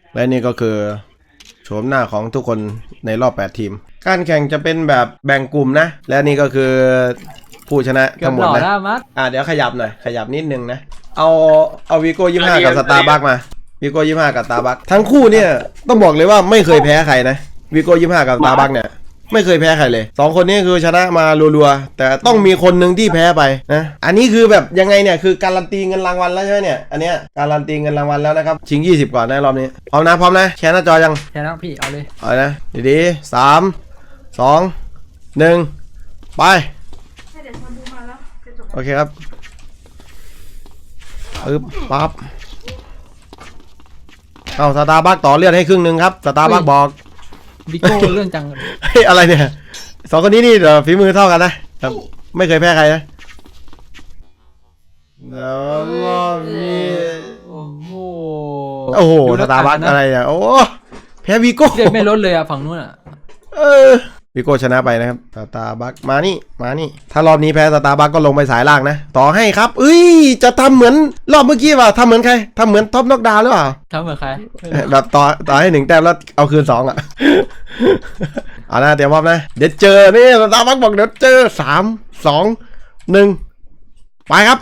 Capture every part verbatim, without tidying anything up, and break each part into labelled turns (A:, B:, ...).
A: และนี่ก็คือโฉมหน้าของทุกคนในรอบแปดทีมการแข่งจะเป็นแบบแบ่งกลุ่มนะและนี่ก็คือผู้ชนะทั้งหมดนะอ่ะเดี๋ยวขยับหน่อยขยับนิดนึงนะเอาเอาวีโก้ยี่ห้ากับสตาร์บัคมาวีโก้ยี่ห้ากับสตาร์บัคทั้งคู่เนี่ยต้องบอกเลยว่าไม่เคยแพ้ใครนะวีโก้ยี่ห้ากับสตาร์บัคเนี่ยไม่เคยแพ้ใครเลยสองคนนี้คือชนะมารัวๆแต่ต้องมีคนหนึ่งที่แพ้ไปนะอันนี้คือแบบยังไงเนี่ยคือการันตีเงินรางวัลแล้วใช่ไหมเนี่ยอันเนี้ยการันตีเงินรางวัลแล้วนะครับชิงยี่สิบก่อนนะรอบนี้พร้อมนะพร้อมนะแชร์หน้าจอยัง
B: แชร์แล้วพี่เอาเลย
A: เอานะดีๆสามสองหนึ่งไปโอเคครับปึ๊บปั๊บเอาสตาร์บัคต่อเลือดให้ครึ่งหนึ่งครับสตาร์บัคบอก
B: วิโก้เรื่องจัง
A: เฮ้ยอะไรเนี่ยสองคนนี้นี่เดี๋ยวฝีมือเท่ากันนะครับไม่เคยแพ้ใครนะแล้วมีโอ้โหโอ้โหสตาร์บัคอะไรเนี่ยโอ้แพ้วิโก้
B: เลือดไม่ลดเลยอะฝั่งนู้นอะ
A: เออวิโก้ชนะไปนะครับสตาร์บัคมานี่มานี่ถ้ารอบนี้แพ้สตาร์บัคก็ลงไปสายล่างนะต่อให้ครับเอ้ยจะทำเหมือนรอบเมื่อกี้ป่ะทำเหมือนใครทำเหมือนท็อปน็อกดาวน์หรือเปล่า
B: ทำเหมือนใคร
A: แบบต่อต่อให้หนึ่งแต้มแล้วเอาคืนสองอ่ะเอานะเตรียมพร้อมนะเดี๋ยวเจอนี่สตาร์บัคบอกเดี๋ยวเจอสามสองหนึ่งไปครับ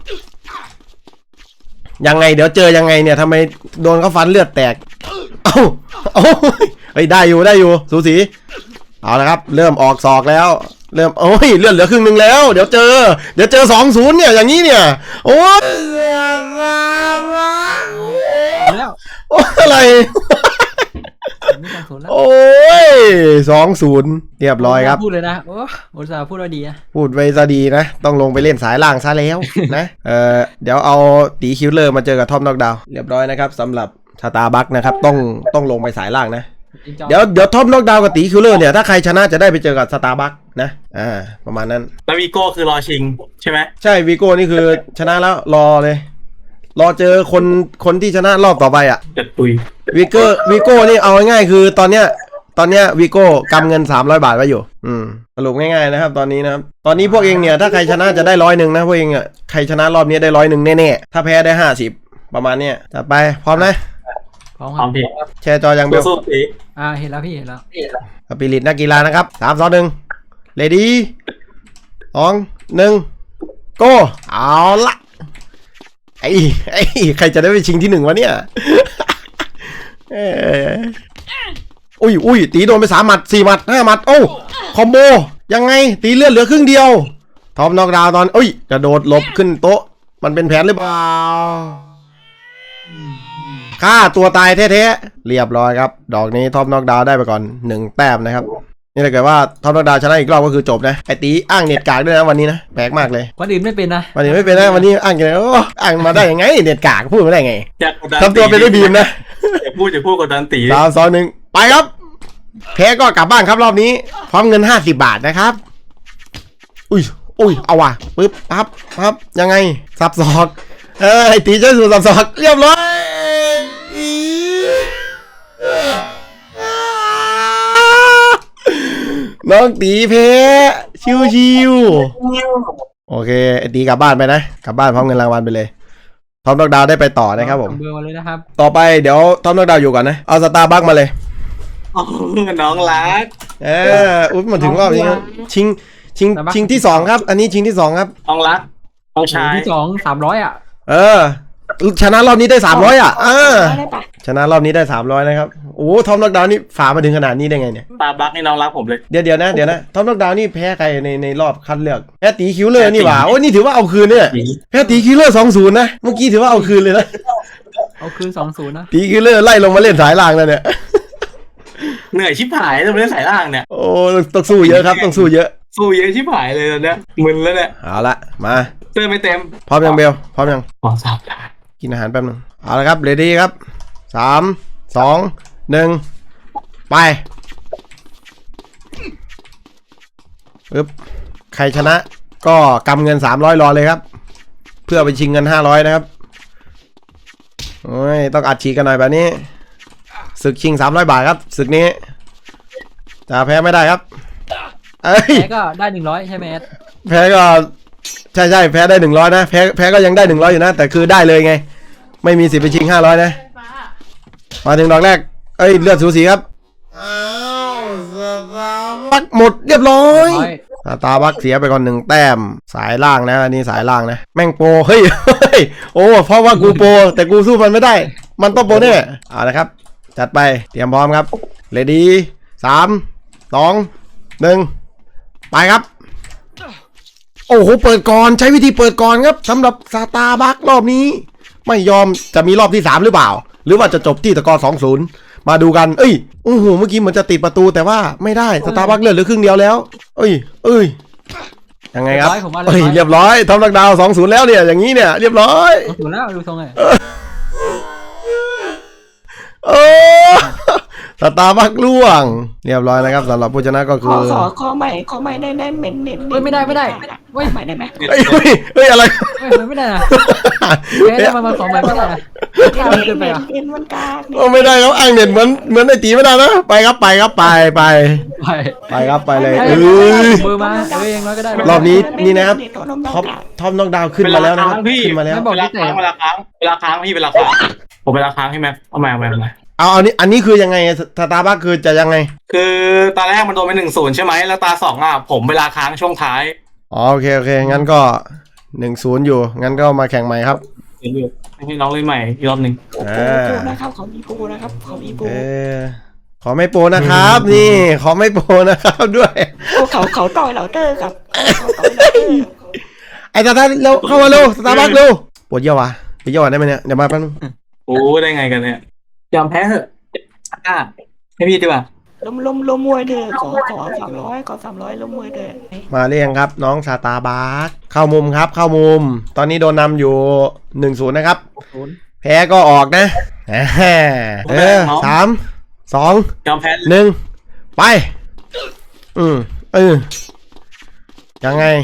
A: ยังไงเดี๋ยวเจอยังไงเนี่ยทำไมโดนเขาฟันเลือดแตกเอ้าเอ้าเฮ้ยได้อยู่ได้อยู่สูสีเอาละครับเริ่มออกศอกแล้วเริ่มโอ้ยเลือดเหลือครึ่งหนึ่งแล้วเดี๋ยวเจอเดี๋ยวเจอสองศูนย์เนี่ยอย่างนี้เนี่ยโอ้ย
B: แล้ว
A: อะไรโอ้ยสองศูนย์เรียบร้อยครับ
B: พูดเลยนะโอ้โหสาพูดว่าดีนะ
A: พูดไว้ซะดีนะต้องลงไปเล่นสายล่างซะแล้วนะเออเดี๋ยวเอาตีคิวเลอร์มาเจอกับท็อปน็อกดาวน์เรียบร้อยนะครับสำหรับสตาร์บัคนะครับต้องต้องลงไปสายล่างนะเดี๋ยวเดี๋ยวท็อปน็อกดาวน์กับตีคิวเลอร์เนี่ยถ้าใครชนะจะได้ไปเจอกับสตาร์บัคนะอ่าประมาณนั้น
C: แล้ววีโก้คือรอชิงใช่ไหม
A: ใช่วีโก้นี่คือชนะแล้วรอเลยรอเจอคนคนที่ชนะรอบต่อไปอ่ะ
C: จัดปุย
A: วีโก้วีโก้นี่เอาง่ายๆคือตอนเนี้ยตอนเนี้ยวีโก้กำเงินสามร้อยบาทไว้อยู่อืมสรุปง่ายๆนะครับตอนนี้นะครับตอนนี้พวกเองเนี่ยถ้าใครชนะจะได้ร้อยหนึ่งนะพวกเองอ่ะใครชนะรอบนี้ได้ร้อยหนึ่งแน่ๆถ้าแพ้ได้ห้าสิบประมาณเนี้ยจะไปพร้อมนะ
B: พร้อมครับ
A: แชร์จอยังเบล
B: อ่าเห็นแล้วพี่เห็นแล้ว
A: สปิริตนักกีฬานะครับสามสองหนึ่งเลดี้สองหนึ่งโก้เอาละไอ้ไอ้ใครจะได้ไปชิงที่หนึ่งวะเนี่ยอุ้ยอุ้ยตีโดนไปสามหมัดสี่หมัดห้าหมัดโอ้คอมโบยังไงตีเลือดเหลือครึ่งเดียวท็อปน็อกดาวน์ตอนอุ้ยกระโดดหลบขึ้นโต๊ะมันเป็นแผนหรือเปล่าฆ่าตัวตายแท้ๆเรียบร้อยครับดอกนี้ท็อปน็อกดาวน์ได้ไปก่อนหนึ่งแต้มนะครับนี่ถ้าเกิดว่าท็อปน็อกดาวน์ชนะอีกรอบก็คือจบนะไอตีอ้างเน็ตกากด้วยนะวันนี้นะแปลกมากเลย
B: วันอื่นไม่เป็นนะ
A: วันอื่นไม่เป็นนะวันนี้อ้างกันโอ้อ้างมาได้ยังไงเน็ตกากพูดมาได้ไงทำตัวเป็นได้บีมนะ
C: อย่าพูดอย่าพูดกดดันตี
A: สามสองหนึ่งไปครับแพ้ก็กลับบ้านครับรอบนี้พร้อมเงินห้าสิบบาทนะครับอุ้ยอุ้ยเอาว่ะปึ๊บปั๊บปั๊บยังไงสับศอกเอ้ยตีเจ้าสู่สับศอกเรียบร้อยน้องตีเพชิวชิวโอเคตีกลับบ้านไปนะกลับบ้านพร้อมเงินรางวัลไปเลยท็อปน็อกดาวน์ได้ไปต่อนะครับผม
B: เบอร์มาเลยนะครับ
A: ต่อไปเดี๋ยวท็อปน็อกดาวน์อยู่ก่อนนะเอาสตาร์บัคมาเลย
C: น้องรัก
A: เอออุ้ยมาถึงรอบนี้ชิงชิงชิงที่สองครับอันนี้ชิงที่สองครับ
C: น้องรักน้องชาย
B: ที่สองสามร้อยอ่ะ
A: เออชนะรอบนี้ได้สามร้อยอ่ะเออชนะรอบนี้ได้สามร้อยนะครับโอ้ท็อปน็อกดาวน์นี่ฝ่ามาถึงขนาดนี้ได้ไงเนี่ย
C: ตาบักให้น้องรักผมเลย
A: เดี๋ยวเดี๋ยวนะเดี๋ยวนะท็อปน็อกดาวน์นี่แพ้ใครในในรอบคัดเลือกแพ้ตีคิวเลอร์นี่หว่าโอ้นี่ถือว่าเอาคืนเนี่ยแพ้ตีคิวเลอร์สองศูนย์นะเมื่อกี้ถือว่าเอาคืนเลยนะ
B: เอาคืนสองศูนย์นะ
A: ตีคิวเลอร์ไล่ลงมาเล่นสายล่างแล้วเนี่ย
C: เหนื่อยชิบหายต้องเล่นสายล่างเนี่ย
A: โอ้ต้องสู้เยอะครับต้องสู้เยอะ
C: สู้เยอะชิบหายเลยตอนเนี้ยมึนแล้วเนี่ย
A: เอาละมา
C: เติมไม่เต็ม
A: พร้อมยังเบลพร้อมยัง
C: พร้อมสับได้
A: กินอาหารแป๊บนึงเอาละครับเรดี้ครับสามสองหนึ่งไปปึ๊บใครชนะก็กำเงินสามร้อยรอเลยครับเพื่อไปชิงเงินห้าร้อยนะครับโอ้ยต้องอัดฉีดกันหน่อยแบบนี้ศึกชิงสามร้อยบาทครับศึกนี้จะแพ้ไม่ได้ครับ
B: แพ้ก็ได้หนึ่งร้อยใช่ไหมแอด
A: แพ้ก็ใช่ใช่แพ้ได้หนึ่งร้อยนะแพ้แพ้ก็ยังได้หนึ่งร้อยอยู่นะแต่คือได้เลยไงไม่มีสิทธิ์ไปชิงห้าร้อยนะมาถึงดอกแรกเอ้ยเลือดสูสีครับอ้าวสตาร์บัคหมดเรียบร้อย
B: ร้อย
A: สตาร์บัคเสียไปก่อนหนึ่งแต้มสายล่างนะอันนี้สายล่างนะแม่งโปรเฮ้ยเฮ้ยโอ้เพราะว่ากูโปรแต่กูสู้มันไม่ได้ มันต้องโปรแน่เอาละครับจัดไปเตรียมพร้อมครับเรดี้สามสองหนึ่งไปครับโอ้โหเปิดก่อนใช้วิธีเปิดก่อนครับสำหรับสตาร์บัครอบนี้ไม่ยอมจะมีรอบที่สามหรือเปล่าหรือว่าจะจบที่ตะกอร์สองศูนย์มาดูกันเอ้ยโอ้โหเมื่อกี้เหมือนจะติดประตูแต่ว่าไม่ได้สตาร์บัคเลือดเหลือครึ่งเดียวแล้วเอ้ยเอ้ยยังไงครับเอ้ยเรียบร้อยทอมลักดาวสองศูนย์แล้วเนี่ยอย่างนี้เนี่ยเรียบร้อย
B: ถูกแล้วดูทรงไง
A: โอ้สตาร์บัคล่วงเรียบร้อยนะครับสำหรับผู้ชนะก็
D: ข
A: คือ อ
D: ขอขอใหม่ขอใหม่ได้ได้เม็นเน็ต
B: เฮ้ยไม่ได้ไม่ได้เฮ้ย
D: ใหม่ได้ไหม
A: เฮ้ยเฮ้ยเฮ้ยอะไร
B: เฮ้ยมันไม่ได้นะแพ้ได้มามาสองใบไม่ได้นะกล้าเกินไปอ่ะ
D: เน็ตมันกาก
A: โอ้ไม่ได้ครับอ้างเน็ตเหมือนเหมือนไอตีไม่ได้นะไปครับไปครับไปไป
B: ไป
A: ไปครับไปเลย
B: เอ้
A: เอ้ย
B: มือมาเอ้ยยังน้อยก็ได้
A: รอบนี้นี่นะครับท็อปท็อปน็อกดาวน์ขึ้นมาแล้วนะครับ
C: พี่
A: ขึ้นมาแล้ว
C: เวลาค้างเวลาค้างเวลาค้างพี่เวลาค้างผมเวลาค้างใช่ไหมเอามาเอามาเอามา
A: เอาอันนี้อันนี้คือยังไงสตาร์บัคคือจะยังไง
C: คือตาแรกมันโดนไปหนึ่งศูนย์ใช่ไหมแล้วตาสองอ่ะผมเวลาค้างช่วงท้าย
A: อ๋อโอเคโอเคงั้นก็หนึ่งศูนย์อยู่งั้นก็มาแข่งใหม่ครับ
C: เดี๋ยวให้น้องเล่นใหม่อีกรอบหนึ่ง
A: อ่า
D: ปูนะครับเขามีปูนะครับเขามีปู
A: เออขอไม่โปรนะครับ นี่ขอไม่โปรนะครับด้วย
D: โอ้เขาเขาต่อยเราเตอร์กับเขาต่อยเราเตอร์
A: ไอ้ตาตาเร็วเข้ามาเร็วสตาร์บัคเร็วปวดเยี่ยววะไปเยี่ยวได้ไหมเนี่ยเดี๋ยวมาแป๊บนึง
C: โอ้ได้ไงกันเนี่ยยอมแพ้เถอะอ่ะให้พี่ดีกว่า
D: ล้มล้มล้มมวยเถอะขอขอสามร้อยขอสามร้อยล้มมวยเถอะ
A: มาเรียงครับน้องสตาร์บัคเข้ามุมครับเข้ามุม ตอนนี้โดนนำอยู่หนึ่งศูนย์นะครับแพ้ก็ออกนะอ่าเออสามสอง
C: ยอมแพ้
A: หนึ่งไปอืมเออยังไง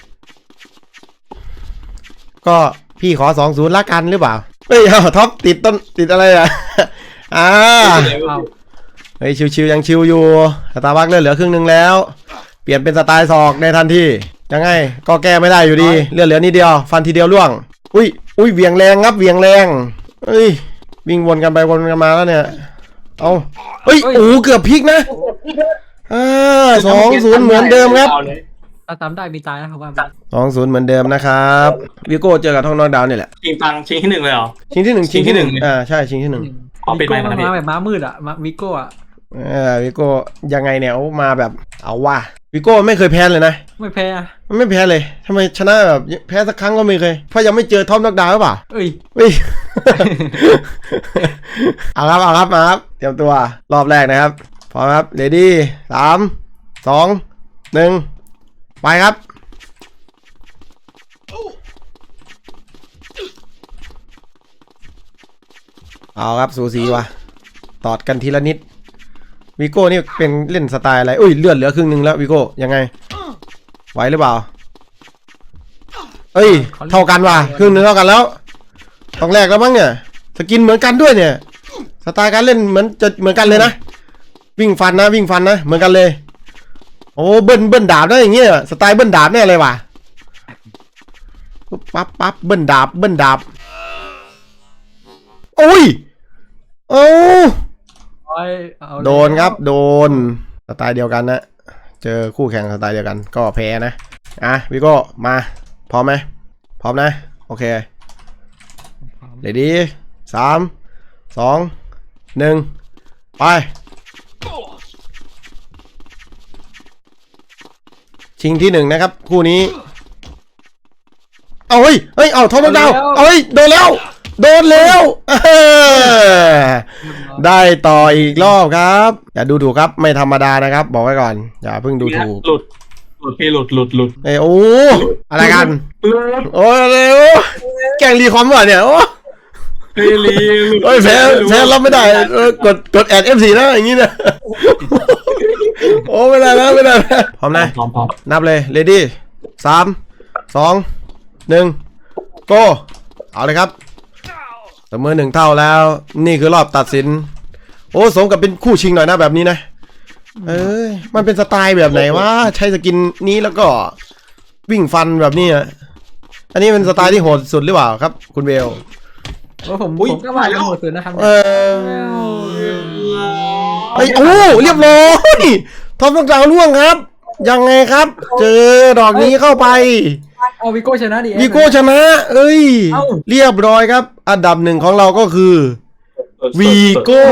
A: ก็พี่ขอสองศูนย์ละกันหรือเปล่าเฮ้ยเอาท็อปติดต้นติดอะไรอ่ะ อ่า
B: เอา
A: เฮ้ยชิวๆยังชิวอยู่สตาร์บัคเลือดเหลือครึ่งหนึงแล้ว เปลี่ยนเป็นสไตล์ศอกในทันทียังไงก็แก้ไม่ได้อยู่ดีเลือดเหลือนิดเดียวฟันทีเดียวล่วงอุ้ยอุ้ยเวียงแรงครับเวียงแรงเฮ้ยวิ่งวนกันไปวนกันมาแล้วเนี่ยเอาเฮ้ยโอ้เกือบพลิกนะอ่าสองศูนย์เหมือนเดิมครับ
B: ถ้าตามได้มีตายนะครับว่า
A: สองศูนย์เหมือนเดิมนะครับวิโก้เจอกับท้องนอกดาวน์นี่แหละ
C: ชิงตังชิงที่หนึ่งเลยเหรอ
A: ชิงที่หนึ่ง
C: ชิงที่หนึ่ง
A: อ่าใช่ชิงที่หนึ่ง
C: อ๋อปิดไมค์
B: มั
C: มาน แล้วพี่
B: มาแบบม้ามืดอ่ะมาวิโก้อ่ะ
A: เออวิโก้ยังไงเนี่ยเอามาแบบเอาว่าวิโก้ไม่เคยแพ้เลยนะ
B: ไม่แพ้อะ
A: มันไม่แพ้เลยทำไมชนะแบบแพ้สักครั้งก็ไม่เคยเพราะยังไม่เจอท็อปน็อกดาวน์หรือเปล่า
B: เอ้ย
A: เฮ้ย เอาครับเอาครับมาครับเตรียมตัวรอบแรกนะครับพร้อมครับเรดี้สามสองหนึ่งไปครับเอาครับสูสีว่ะตอดกันทีละนิดวิโก้นี่เป็นเล่นสไตล์อะไรอุ้ยเลือดเหลือครึ่งหนึงแล้ววิโก้ยังไงไหวหรือเปล่าเอ้ยเท่ากันว่ะครึ่งหนึงเท่ากันแล้วต้องแรกแล้วมั้งเนี่ยสกินเหมือนกันด้วยเนี่ยสไตล์การเล่นเหมือนจะเหมือนกันเลยนะวิ่งฟันนะวิ่งฟันนะเหมือนกันเลยโอ้เบิ้ลเบิ้ลดาบได้อย่างเงี้ยสไตล์เบิ้ลดาบแน่เลยว่ะปั๊บปั๊บเบิ้ลดาบเบิ้ลดาบโอ้ยโอ้
B: เอา
A: โดนครับโดนสไตล์เดียวกันนะเจอคู่แข่งสไตล์เดียวกันก็แพ้นะอ่ะวิโก้มาพร้อมไหมพร้อมนะโอเคเรดี้สามสองหนึ่งไปชิงที่หนึ่งนะครับคู่นี้เอาเฮ้ยเฮ้ยเอาทอมดาวเอาเฮ้ยโดนแล้วโดนแล้วได้ต่ออีกรอบครับอย่าดูถูกครับไม่ธรรมดานะครับบอกไว้ก่อนอย่าเพิ่งดูถูก
C: หลุดหลุดพี่หลุดหลุดหลุด
A: เอ้ยโอ้อะไรกัน
C: หลุด
A: โอ้ยเร็วแกงรีคอมว่ะเนี่ยโอ้
C: เฮลีหลุด
A: โอ้ยแพ้แพ้รับไม่ได้เออกดกดแอดเอฟซีนะอย่างงี้นะโอ้ไม่ได้นะไม่ได้นะพร้อมนะ
C: พร้อมพร้อม
A: นับเลยเรดี้สามสองหนึ่งโก้เอาเลยครับเสมอหนึ่งเท่าแล้วนี่คือรอบตัดสินโอ้สมกับเป็นคู่ชิงหน่อยนะแบบนี้นะเอ้ยมันเป็นสไตล์แบบไหนวะใช้สกินนี้แล้วก็วิ่งฟันแบบนี้อ่ะอันนี้เป็นสไตล์ที่โหดสุดหรือเปล่าครับคุณเบล
B: ว่าผมผมก็ว่าจะหมดสุดนะครับ
A: เออไอ้โอ้เรียบร้อยท็อปน็อกดาวน์ล่วงครับ ยังไงครับ เจอดอกนี้เข้าไป
B: เอาวิโก้ชนะดิ
A: วีโก้ชนะ เอ้ย เรียบร้อยครับ อันดับหนึ่งของเราก็คือวีโก้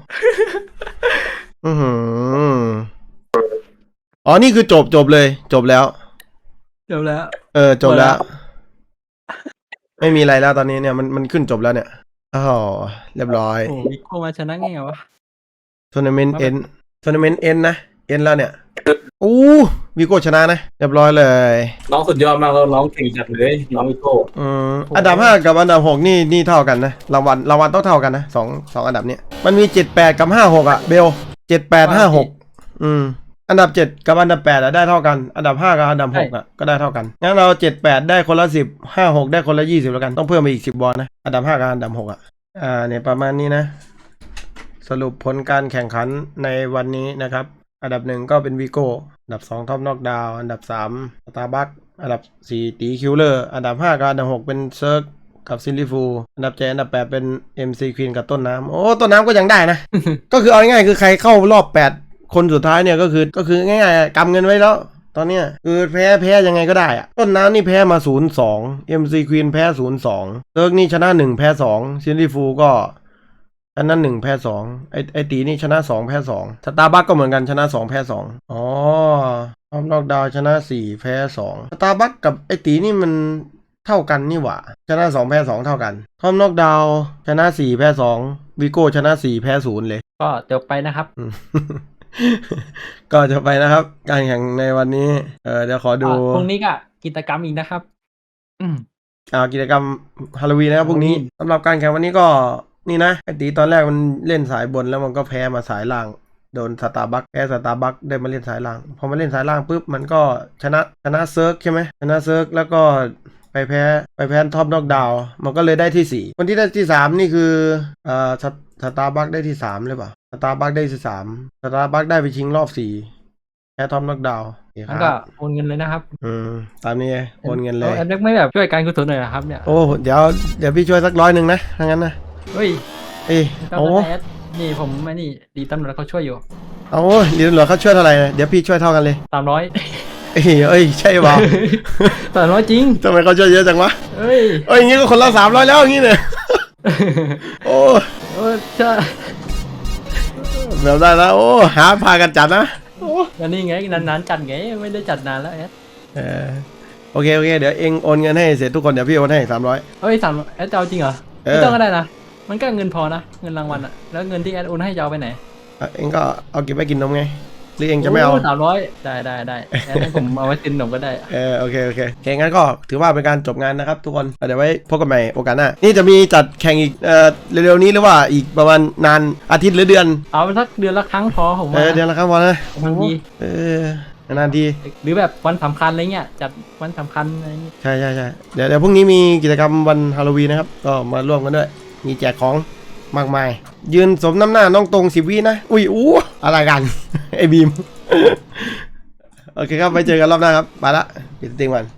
A: อือหืออ๋อนี่คือจบจบเลย จบแล้ว
B: จบแล้ว
A: เออจบแล้ว ไม่มีอะไรแล้วตอนนี้เนี่ยมันมันขึ้นจบแล้วเนี่ยอ๋อเรียบร้อย
B: โอ้วิโก้มาชนะไงวะ
A: ทัวร์นาเมนต์เอ็นทัวร์นาเมนต์เอ็นนะเอ็นแล้วเนี่ยอู้วีโก้ชนะนะเรียบร้อยเลย
C: น้องสุดยอดมากแล้วน้องเก่งจัดเลยน้องวิโก้
A: อืมอันดับห้ากับอันดับหกนี่นี่เท่ากันนะรางวัลรางวัลต้องเท่ากันนะสองสองอันดับเนี้ยมันมีเจ็ดแปดกับห้าหกอะเบลเจ็ดแปดห้าหกอืมอันดับเจ็ดกับอันดับแปดอะได้เท่ากันอันดับห้ากับอันดับหกอะก็ได้เท่ากันงั้นเราเจ็ดแปดได้คนละสิบห้าหกได้คนละยี่สิบแล้วกันต้องเพิ่มไปอีกสิบบอลนะอันดับห้ากับอันดับหกอะอ่าเนี่ยประมาณนี้นะสรุปผลการแข่งขันในวันนี้นะครับอันดับหนึ่งก็เป็นวีโก้อันดับสองท็อปน็อกดาวอันดับสามสตาร์บัคอันดับสี่ตีคิวเลอร์อันดับห้ากับอันดับหกเป็นเซิร์กกับซิลลี่ฟูอันดับเจ็ดอันดับแปดเป็น เอ็ม ซี Queen กับต้นน้ำโอ้ต้นน้ำก็ยังได้นะ ก็คือเอาง่ายๆคือใครเข้ารอบแปดคนสุดท้ายเนี่ยก็คือก็คือง่ายๆกำเงินไว้แล้วตอนเนี้ยคือแพ้แพ้ยังไงก็ได้อะต้นน้ำนี่แพ้มา ศูนย์สอง เอ็ม ซี Queen แพ้ ศูนย์สอง เซิร์กนี่ชนะหนึ่งแพ้สองซิลลี่ฟูก็อันนั้นหนึ่งแพ้สองไอไอตีนี่ชนะสองแพ้สองสตาร์บัคก็เหมือนกันชนะสองแพ้สองอ๋อทอมน็อกดาวน์ชนะสี่แพ้สองสตาร์บัคกับไอตีนี่มันเท่ากันนี่หว่าชนะสองแพ้สองเท่ากันทอมน็อกดาวน์ชนะสี่แพ้สองวิโก้ชนะสี่แพ้ศูนย์เลย
B: ก็จบไปนะครับ
A: อืม ก็จะไปนะครับ การแข่งในวันนี้เออเดี๋ยวขอดู
B: อ่ะพรุ่งนี้ก็กิจกรรมอีกนะครับ อืม
A: อ่ากิจกรรมฮาโลวีนนะครับพรุ่งนี้
B: Halloween
A: สำหรับการแข่งวันนี้ก็นี่นะไอตีตอนแรกมันเล่นสายบนแล้วมันก็แพ้มาสายล่างโดนสตาร์บัคแพ้สตาร์บัคได้มาเล่นสายล่างพอมาเล่นสายล่างปุ๊บมันก็ชนะชนะเซิร์กใช่ไหมชนะเซิร์กแล้วก็ไปแพ้ไปแพ้ท็อปน็อกดาวน์มันก็เลยได้ที่สี่คนที่ได้ที่สามนี่คืออ่าสสตาร์บัคได้ที่สามเลยเปล่าสตาร์บัคได้ที่สามสตาร์บัคได้ไปชิงรอบสี่แพ้ท็อปน็อกดาวน์
B: แล้วก็โอนเงินเลยนะครับ
A: อืมตามนี้โอนเงินเลย
B: แอดเล็กไม่แบบช่วยการกุศลหน่อยนะครับเนี่ย
A: โอ้เดี๋ยวเดี๋ยวพี่ช่วยสักร้อยหนึ่งนะถ้างั้นนะ
B: เฮ้ย
A: เอ้ย
B: ต้อง
A: โอ้
B: แอดนี่ผมไม่นี่ดีตำรวจเขาช่วยอยู่
A: เอาเดี๋ยวเหลือเขาช่วยเท่าไหร่นะเดี๋ยวพี่ช่วยเท่ากันเลย
B: สามร้อย
A: เอ้ยเอ้ยใช่เปล่า
B: สามร้อยจริง
A: ทำไมเขาช่วยเยอะจังวะ
B: เฮ้ย
A: เอ้ยอย่างงี้ก็คนละสามร้อยแล้วอย่างงี้เนี่ยโอ้
B: โอ้จะ
A: แบบได้แล้วโอ้หาพากันจัดนะโอ้
B: อันนี้ไงนานๆจัดไงไม่ได้จัดนานแล้วแอด
A: เออโอเคโอเคเดี๋ยวเองโอนเงินให้เสร็จทุกคนเดี๋ยวพี่โอนให้สามร้อย
B: เฮ้ยสามแอดจะเอาจริงเหรอ
A: เออ
B: ไม่ต้องก็ได้นะมันก็เงินพอนะเงินรางวัลอะแล้วเงินที่แอดโอนให้จะเอาไปไหน
A: เองก็เอาเก็บไว้กินนมไงหรือเองจะไม่เอา
B: สามร้อยได้ได้ได้แอดให้ผมเอาไว้กินขนมก็ได้
A: เออโอเคโอเคโอเคงั้นก็ถือว่าเป็นการจบงานนะครับทุกคนเดี๋ยวไว้พบกันใหม่โอกาสหน้านี่จะมีจัดแข่งอีกเอ่อเร็วๆนี้หรือว่าอีกประมาณนานอาทิตย์หรือเดือน
B: เอาไปสักเดือนละครั้งพอผม
A: เอ
B: ว่า
A: อเดือนละครั้งพอนะ
B: บางที
A: เออนานที
B: หรือแบบวันสำคัญอะไรเงี้ยจัดวันสำคัญอะไรเงี้ย
A: ใช่ใช่ใช่เดี๋ยวเดี๋ยวพรุ่งนี้มีกิจกรรมวันฮาโลวีนนะครับก็มาร่วมกันด้วยมีแจกของมากมายยืนสมน้ำหน้าน้องตรงสิบวินะอุ้ยอู้อะไรกัน ไอ้บีม โอเคครับไปเจอกันรอบหน้าครับไปละปิดสตรีมก่อน